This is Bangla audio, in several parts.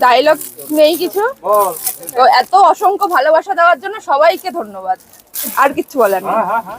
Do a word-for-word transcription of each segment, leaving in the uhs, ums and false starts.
ডায়লগ নেই কিছু, তো এত অসংখ্য ভালোবাসা দেওয়ার জন্য সবাইকে ধন্যবাদ, আর কিছু বলার নেই।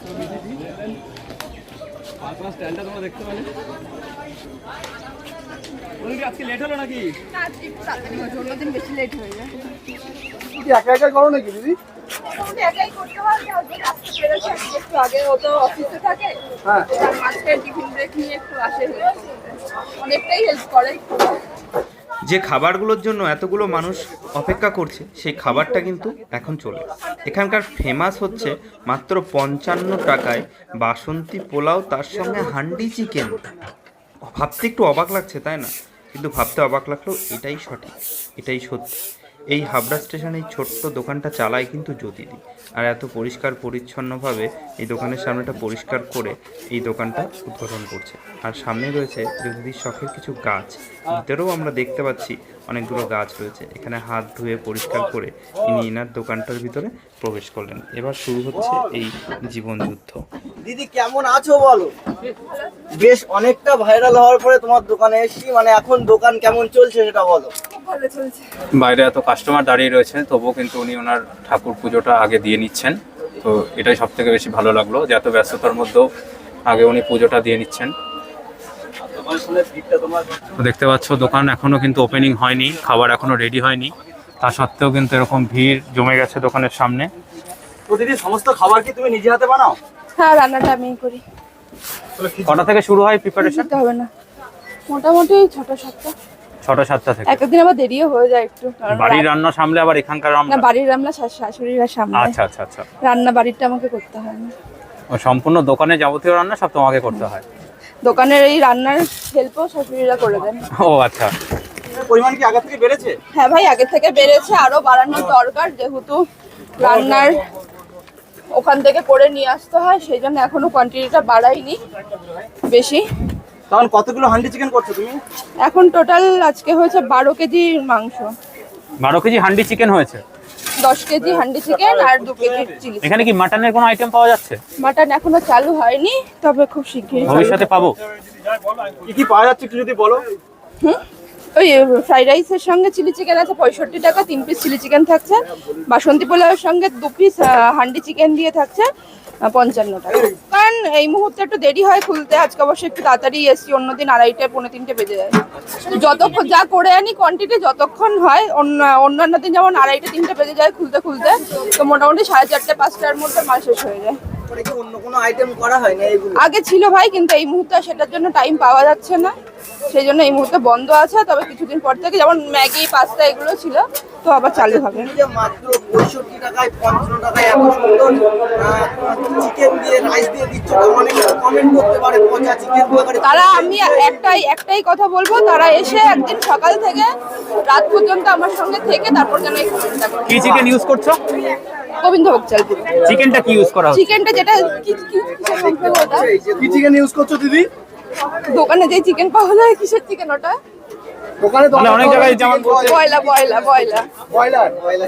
আজকে লেট হলো নাকি? না আজকে একটু তাড়াতাড়ি হয়েছে, অন্যদিন বেশি লেট হয়ে যায়। কি একা একা করো নাকি দিদি? একাই করতে হয়, আজকে আসতে পেরেছি একটু আগে, ও তো অফিসে থাকে, হ্যাঁ তার মাঝখানে টিফিন ব্রেক নিয়ে একটু আসে, অনেকটাই হেল্প করে। যে খাবারগুলোর জন্য এতগুলো মানুষ অপেক্ষা করছে সেই খাবারটা কিন্তু এখন চলে। এখানকার ফেমাস হচ্ছে মাত্র পঞ্চান্ন টাকায় বাসন্তী পোলাও, তার সঙ্গে হান্ডি চিকেন। ভাবতে একটু অবাক লাগছে তাই না, কিন্তু ভাবতে অবাক লাগলেও এটাই সঠিক, এটাই সত্যি। এই হাবড়া স্টেশনে এই ছোট্ট দোকানটা চালায় কিন্তু জ্যোতিদি, আর এত পরিষ্কার পরিচ্ছন্নভাবে এই দোকানের সামনেটা পরিষ্কার করে এই দোকানটা উদ্বোধন করছে। আর সামনে রয়েছে জ্যোতিদির শখের কিছু গাছ, ভিতরেও আমরা দেখতে পাচ্ছি অনেকগুলো গাছ রয়েছে। এখানে হাত ধুয়ে পরিষ্কার করে ইনি ইনার দোকানটার ভিতরে প্রবেশ করলেন। এবার শুরু হচ্ছে এই জীবন যুদ্ধ। দিদি কেমন আছো বলো? বেশ অনেকটা ভাইরাল হওয়ার পরে তোমার দোকানে এসেছি, মানে এখন দোকান কেমন চলছে সেটা বলো। ভালো চলছে। বাইরে এত কাস্টমার দাঁড়িয়ে রয়েছে, তবুও কিন্তু উনি ওনার ঠাকুর পুজোটা আগে দিয়ে নিচ্ছেন। তো এটাই সব থেকে বেশি ভালো লাগলো যে এত ব্যস্ততার মধ্যেও আগে উনি পুজোটা দিয়ে নিচ্ছেন। তো দেখতে পাচ্ছ দোকান এখনো কিন্তু ওপেনিং হয়নি, খাবার এখনো রেডি হয়নি, তা সত্ত্বেও কিন্তু এরকম ভিড় জমে গেছে দোকানের সামনে। তো দিদি সমস্ত খাবার কি তুমি নিজে হাতে বানাও? হ্যাঁ, রান্নাটা আমিই করি। কটা থেকে শুরু হয় প্রিপারেশন? হবে না, মোটামুটি ছটা সাতটা, ছটা সাতটা থেকে। একদিন আবার দেরিও হয়ে যায় একটু, কারণ বাড়ির রান্না সামলে আবার এখানকার না, রান্না? বাড়ির রান্না শাশ- শাশুড়িরা সামনে, আচ্ছা আচ্ছা আচ্ছা। রান্না বাড়িটা আমাকে করতে হয় না। ও সম্পূর্ণ দোকানে যাবতীয় রান্না সব তোমাকে করতে হয়? দোকানের এই রান্নার হেল্পও শাশুড়িরা করে দেন। ও আচ্ছা। পরিমাণ কি আগে থেকে বেড়েছে? হ্যাঁ ভাই, আগে থেকে বেড়েছে, আরো বাড়ানোর দরকার, যেহেতু রান্নার ওখান থেকে করে নিয়ে আসতে হয়, সেই জন্য এখনো কোয়ান্টিটিটা বাড়াইনি বেশি। তখন কতগুলো হান্ডি চিকেন করছো তুমি? এখন টোটাল আজকে হয়েছে বারো কেজি মাংস, বারো কেজি হান্ডি চিকেন হয়েছে। দশ কেজি হান্ডি চিকেন আর দু কেজি চিলি। এখানে কি মাটনের কোনো আইটেম পাওয়া যাচ্ছে? মাটন এখনো চালু হয়নি, তবে খুব শিগগিরই ভবিষ্যতে পাবো? কি কি পাওয়া যাচ্ছে একটু যদি বলো। হুম, ওই ফ্রাইড রাইসের সঙ্গে চিলি চিকেন আছে পঁয়ষট্টি টাকা, তিন পিস চিলি চিকেন থাকছে। বাসন্তী পোলাওয়ের সঙ্গে দু পিস হান্ডি চিকেন দিয়ে থাকছে পঞ্চান্ন টাকা। কারণ এই মুহূর্তে একটু দেরি হয় খুলতে, আজকে অবশ্যই একটু তাড়াতাড়ি এসছি, অন্যদিন আড়াইটে পৌনে তিনটে বেজে যায়। যতক্ষণ যা করে আনি কোয়ান্টিটি যতক্ষণ হয়, অন্য অন্যান্য দিন যেমন আড়াইটে তিনটে বেজে যায় খুলতে খুলতে, তো মোটামুটি সাড়ে চারটে পাঁচটার মধ্যে মাল শেষ হয়ে যায়। পরে কি অন্য কোনো আইটেম করা হয় না এগুলো? আগে ছিল ভাই, কিন্তু এই মুহূর্তে সেটার জন্য টাইম পাওয়া যাচ্ছে না, সেই জন্য এই মুহূর্তে বন্ধ আছে। তবে কিছুদিন পর থেকে যেমন ম্যাগি পাস্তা এগুলো ছিল, তো আবার চালু হবে। তুমি যে মাত্র পঁয়ষট্টি টাকায় পঞ্চান্ন টাকায় এত সুন্দর চিকেন দিয়ে রাইস দিয়ে দিচ্ছ, অনেকে কমেন্ট করতে পারে পচা চিকেন। তারা, আমি একটাই একটাই কথা বলবো, তারা এসে একদিন সকাল থেকে রাত পর্যন্ত আমার সঙ্গে থেকে তারপর যেন এই কমেন্টটা করে। কি চিকেন ইউজ করছো? গোবিন্দভোগ চাল। চিকেনটা কি ইউজ করা হচ্ছে? চিকেনটা যেটা কি- কি- কিসের মধ্যে ওটা? কি চিকেন ইউজ করছো দিদি? দোকানে যে চিকেন পাওয়া যায়, কিসের চিকেন ওটা? দোকানে তো মানে অনেক জায়গায় যেমন বয়লা বয়লা বয়লা ব্রয়লার।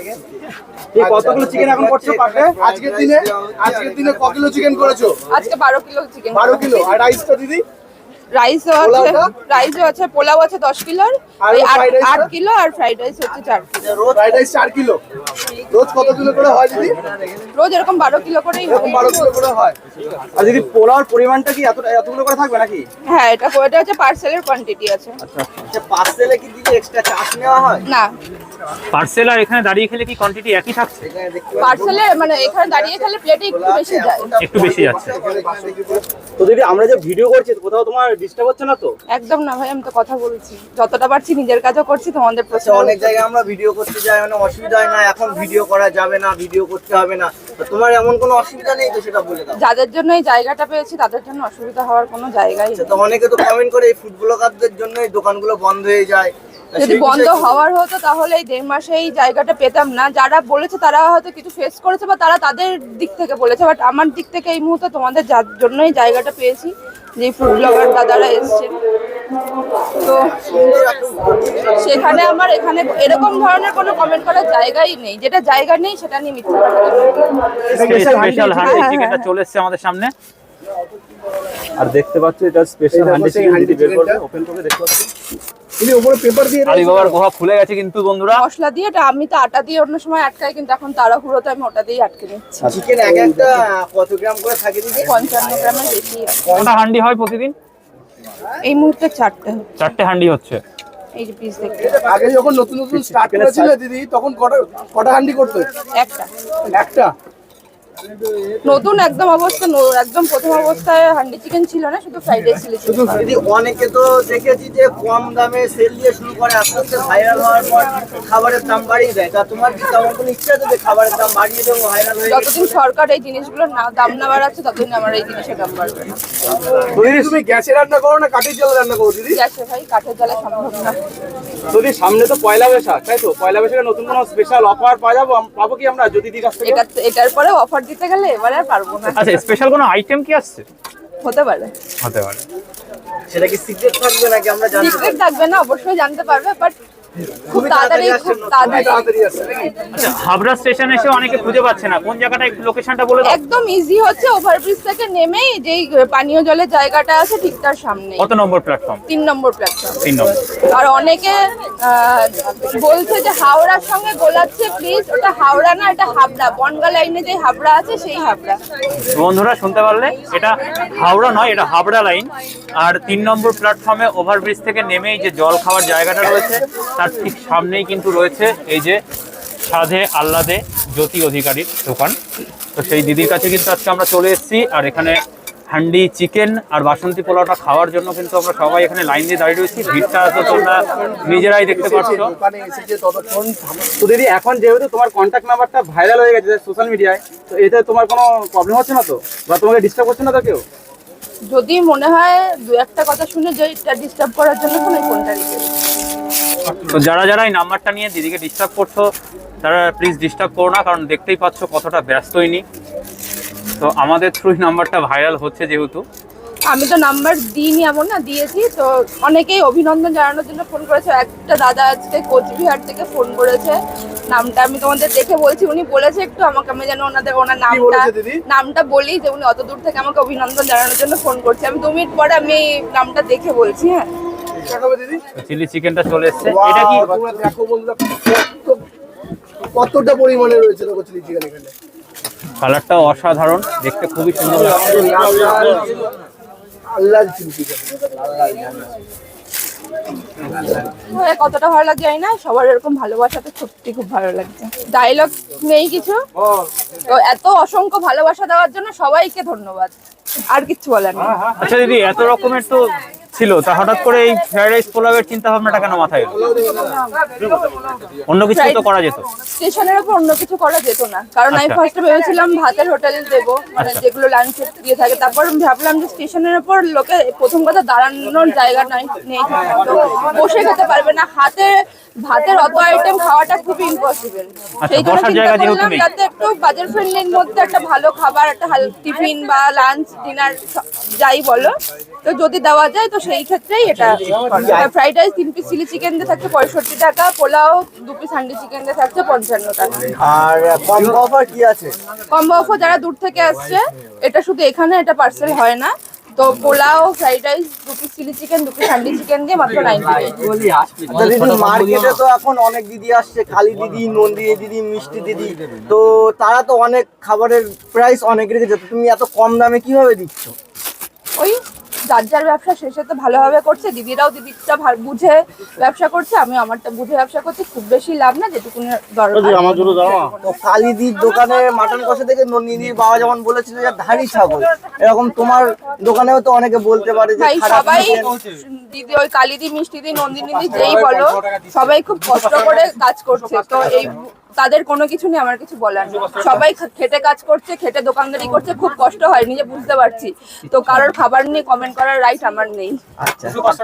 এই কতগুলো চিকেন এখন করছো পাকে? আজকের দিনে আজকের দিনে ক কিলো চিকেন করেছো? আজকে বারো কিলো চিকেন। বারো কিলো। আর রাইসটা দিদি? রাইসও আছে, পোলাওটা? রাইসও আছে, পোলাও আছে দশ কিলোর, আর ওই আট fried rice টা? আট কিলো, আর ফ্রাইড রাইস হচ্ছে চার কিলো। রোজ ফ্রাইড রাইস চার কিলো। রোজ কত কিলো করে হয় দিদি? রোজ এরকম বারো কিলো করেই হয়। এরকম বারো কিলো করে হয়। আর দিদি পোলাওর পরিমাণটা কি এত এতগুলো করে থাকবে নাকি? হ্যাঁ, এটা এটা হচ্ছে পার্সেলের কোয়ান্টিটি আছে। আচ্ছা, পার্সেলে কি দিদি এক্সট্রা চার্জ নেওয়া হয়? না, পার্সেল আর এখানে দাঁড়িয়ে খেলে কি কোয়ান্টিটি একই থাকছে? এখানে দেখতে পার্সেলে মানে এখানে দাঁড়িয়ে খেলে প্লেটে একটু বেশি যায়। একটু বেশি যাচ্ছে। তো দিদি আমরা যে ভিডিও করছি কোথাও তোমার ডিস্টার্ব হচ্ছে না তো? একদম না ভাই, আমি তো কথা বলছি, যতটা পারছি নিজের কাজও করছি, তোমাদের আচ্ছা, প্রশ্ন অনেক জায়গায় আমরা ভিডিও করতে যাই, মানে অসুবিধা হয় না, এখন ভিডিও করা যাবে না, ভিডিও করতে হবে না, তো তোমার এমন কোনো অসুবিধা নেই তো সেটা বলে দাও। যাদের জন্য এই জায়গাটা পেয়েছি তাদের জন্য অসুবিধা হওয়ার কোনো জায়গাই আচ্ছা, নেই। তো অনেকে তো কমেন্ট করে এই ফুড ব্লগারদের জন্য এই দোকানগুলো বন্ধ হয়ে যায়, তা যদি সেই বন্ধ বিষয়ে কি- হওয়ার হতো তাহলে এই দেড় মাসে এই জায়গাটা পেতাম না। যারা বলেছে তারা হয়তো কিছু ফেস করেছে বা তারা তাদের দিক থেকে বলেছে, বাট আমার দিক থেকে এই মুহূর্তে তোমাদের যার জন্যই জায়গাটা পেয়েছি, যে ফুড ব্লগার দাদারা এসছেন, তো সেখানে আমার এখানে এরকম ধরনের কোনো কমেন্ট করার জায়গাই নেই। যেটা জায়গা নেই সেটা নিয়ে মিথ্যা কথা বলবো। স্পেশাল হান্ডি হ্যাঁ, চিকেনটা হ্যাঁ। চলে এসেছে আমাদের সামনে। আর দেখতে পাচ্ছ এটা স্পেশাল এই হান্ডি দেখো সেই চিকেন হান্ডি যদি বের করবে চিকেনটা। ওপেন করে দেখতে পাচ্ছ দিদি ওপরে পেপার দিয়ে আলী বাবার গুহা খুলে গেছে কিন্তু বন্ধুরা। মশলা দিয়ে এটা আমি তো আটা দিয়ে অন্য সময় আটকাই, কিন্তু এখন তাড়াহুড়োতে আমি ওটা দিয়ে আটকে নিচ্ছি। চিকেন এক একটা কত গ্রাম করে থাকে দিদি? পঞ্চান্ন গ্রামের বেশি আছে। কটা হান্ডি হয় প্রতিদিন? এই মুহূর্তে চারটে হচ্ছে। চারটে হান্ডি হচ্ছে। এই যে পিস দেখতে আগে যখন নতুন নতুন স্টার্ট করেছিল দিদি তখন কটা কটা হান্ডি করতে? একটা একটা। নতুন একদম অবস্থা ন- একদম প্রথম অবস্থায় হান্ডি চিকেন ছিল না, শুধু ফ্রাইড রাইস ছিল। শুধু দিদি অনেকে তো দেখেছি যে কম দামে সেল দিয়ে শুরু করে, আস্তে আস্তে ভাইরাল হওয়ার পর খাবারের দাম বাড়িয়ে দেয়। তা তোমার কি তেমন কোনো ইচ্ছা আছে যে খাবারের দাম বাড়িয়ে দেবো, ভাইরাল হয়ে গেলে? যতদিন সরকার এই জিনিসগুলোর না দাম না বাড়াচ্ছে ততদিন আমার এই জিনিসের দাম বাড়বে না। দিদি তুমি গ্যাসে রান্না করো না কাঠের জলে রান্না করো দিদি? গ্যাসে ভাই কাঠের জ্বালা সম্ভব না। যদি সামনে তো পয়লা বৈশাখ, তাই তো পয়লা বৈশাখে নতুন কোনো স্পেশাল অফার পাওয়া যাবো পাবো কি আমরা যদি দিদির কাছ থেকে? এটা এটার পরে অফার দিতে গেলে এবারে আর পারবো না। আচ্ছা, স্পেশাল কোনো আইটেম কি আসছে? হতে পারে, হতে পারে। সেটা কি সিক্রেট থাকবে নাকি আমরা জানতে সিক্রেট পারবো? থাকবে না, অবশ্যই জানতে পারবে, বাট খুব তাড়াতাড়ি খুব তাড়াতাড়ি তাড়াতাড়ি আসছে নাকি? আচ্ছা, হাবড়া স্টেশন এসে অনেকে খুঁজে পাচ্ছে না, কোন জায়গাটা একটু লোকেশনটা বলে দাও। একদম ইজি হচ্ছে, ওভারব্রিজ থেকে নেমেই যেই পানীয় জলের জায়গাটা আছে ঠিক তার সামনে, কত নম্বর প্ল্যাটফর্ম? তিন নম্বর প্ল্যাটফর্ম। তিন নম্বর। আর অনেকে আহ, বলছে যে হাওড়ার সঙ্গে গোলাচ্ছে, প্লিজ ওটা হাওড়া না, এটা হাবড়া। বনগা লাইনে যে হাবড়া আছে সেই হাবড়া। বন্ধুরা শুনতে পারলে, এটা হাওড়া নয়, এটা হাবড়া লাইন। আর তিন নম্বর প্ল্যাটফর্মে ওভারব্রিজ থেকে নেমেই যে জল খাওয়ার জায়গাটা রয়েছে তার ঠিক সামনেই কিন্তু রয়েছে এই যে সাধে আহ্লাদে জ্যোতি অধিকারীর দোকান। তো সেই দিদির কাছে কিন্তু আজকে আমরা চলে এসেছি, আর এখানে হান্ডি চিকেন আর বাসন্তী পোলাওটা খাওয়ার জন্য কিন্তু আমরা সবাই এখানে লাইন দিয়ে দাঁড়িয়ে রয়েছি। ভিড়টা তো তোমরা নিজেরাই দেখতে পাচ্ছ। দোকানে এসেছে ততক্ষণ তো দিদি এখন যেহেতু তোমার কন্ট্যাক্ট নাম্বারটা ভাইরাল হয়ে গেছে সোশ্যাল মিডিয়ায়, তো এতে তোমার কোনো প্রবলেম হচ্ছে না তো, বা তোমাকে ডিস্টার্ব করছে না তো কেউ? যদি মনে হয় দু একটা কথা শুনে যে এটা ডিস্টার্ব করার জন্য কোনো ফোনটা রেখে দিই। তো যারা যারা এই নাম্বারটা নিয়ে দিদিকে ডিস্টার্ব করছো তারা প্লিজ ডিস্টার্ব করো না, কারণ দেখতেই পাচ্ছ কতটা ব্যস্তই নি। তো আমাদের থ্রু নাম্বারটা ভাইরাল হচ্ছে যেহেতু। আমি তো নাম্বার দিইনি এমন না, দিয়েছি। তো অনেকেই অভিনন্দন জানানোর জন্য ফোন করেছে। একটা দাদা আজকে কোচবিহার থেকে ফোন করেছে, নামটা আমি তোমাদের দেখে বলছি। উনি বলেছে একটু আমাকে, আমি যেন ওনাদের ওনার নামটা বলেছে দিদি? নামটা বলি, যে উনি অত দূর থেকে আমাকে অভিনন্দন জানানোর জন্য ফোন করছে। আমি দু মিনিট পরে আমি এই নামটা দেখে বলছি। হ্যাঁ, দেখাবে দিদি? চিলি চিকেনটা চলে এসছে। এটা কি Wow, তোমরা দেখো বন্ধুরা কত- কতটা পরিমাণে রয়েছে দেখো চিলি চিকেন এখানে। কালারটা অসাধারণ, দেখতে খুবই সুন্দর লাগছে। আল্লাহ চিলি চিকেন। হ্যাঁ, কতটা ভালো লাগছে জানি না, সবার এরকম ভালোবাসাতে সত্যি খুব ভালো লাগছে। ডায়লগ নেই কিছু, তো এত অসংখ্য ভালোবাসা দেওয়ার জন্য সবাইকে ধন্যবাদ, আর কিচ্ছু বলার নেই। আচ্ছা দিদি, এত রকমের তো ছিল, তা হঠাৎ করে এই ফ্রাইড রাইস পোলাওয়ের চিন্তা ভাবনাটা কেন মাথায় এলো? অন্য কিছু তো করা যেত। স্টেশনের উপর অন্য কিছু করা যেত না, কারণ আমি আচ্ছা। ফার্স্টে ভেবেছিলাম ভাতের হোটেল দেবো, মানে আচ্ছা। যেগুলো লাঞ্চে দিয়ে থাকে। তারপর আমি ভাবলাম যে স্টেশনের উপর লোকে প্রথম কথা দাঁড়ানোর জায়গা নাই, নেই, তো বসে খেতে পারবে না। হাতে ভাতের অত আইটেম খাওয়াটা খুব ইম্পসিবল। সেই জন্য বসার চিন্তা জায়গা যেহেতু করলাম নেই। যাতে একটু বাজার ফ্রেন্ডলির মধ্যে একটা ভালো খাবার, একটা টিফিন বা লাঞ্চ ডিনার যাই বলো, তো যদি দেওয়া যায় তো সেই ক্ষেত্রেই এটা। ফ্রাইড রাইস তিন পিস চিলি চিকেন দিয়ে থাকছে পঁয়ষট্টি টাকা, পোলাও দু পিস হান্ডি চিকেন দিয়ে থাকছে পঞ্চান্ন টাকা। আর কম্বো অফার কি আছে? কম্বো অফার যারা দূর থেকে আসছে, এটা শুধু এখানে, এটা পার্সেল হয় না। তো পোলাও, ফ্রাইড রাইস, দু পিস চিলি চিকেন, দু পিস হান্ডি চিকেন দিয়ে মাত্র নাইনটি আচ্ছা দিদি, মার্কেটে তো এখন অনেক দিদি আসছে, কালী দিদি, নন্দিনী দিদি, মিষ্টি দিদি, তো তারা তো অনেক খাবারের প্রাইস অনেক রেখেছে, তো তুমি এত কম দামে কিভাবে দিচ্ছ? ওই যার যার ব্যবসা শেষে তো ভালোভাবে করছে। দিদিরাও দিদিটা ভালো বুঝে ব্যবসা করছে, আমি আমারটা বুঝে ব্যবসা করছি। খুব বেশি লাভ না, যেটুকু দরকার। তো কালীদির দোকানে মাটন কষা থেকে নন্দিনীর বাবা যেমন বলেছিল যে ধাড়ি ছাগল, এরকম তোমার দোকানেও তো অনেকে বলতে পারে যে ভাই খারাপ সবাই, chicken। দিদি ওই কালিদি, মিষ্টি দি, নন্দিনী দি, যেই বলো, সবাই খুব কষ্ট করে কাজ করছে। তো এই তাদের কোনো কিছু নেই আমার কিছু বলার নেই। সবাই খা- খেটে কাজ করছে, খেটে দোকানদারি করছে, খুব কষ্ট হয়, নিজে বুঝতে পারছি। তো কারোর খাবার নিয়ে কমেন্ট করার রাইট আমার নেই। আচ্ছা।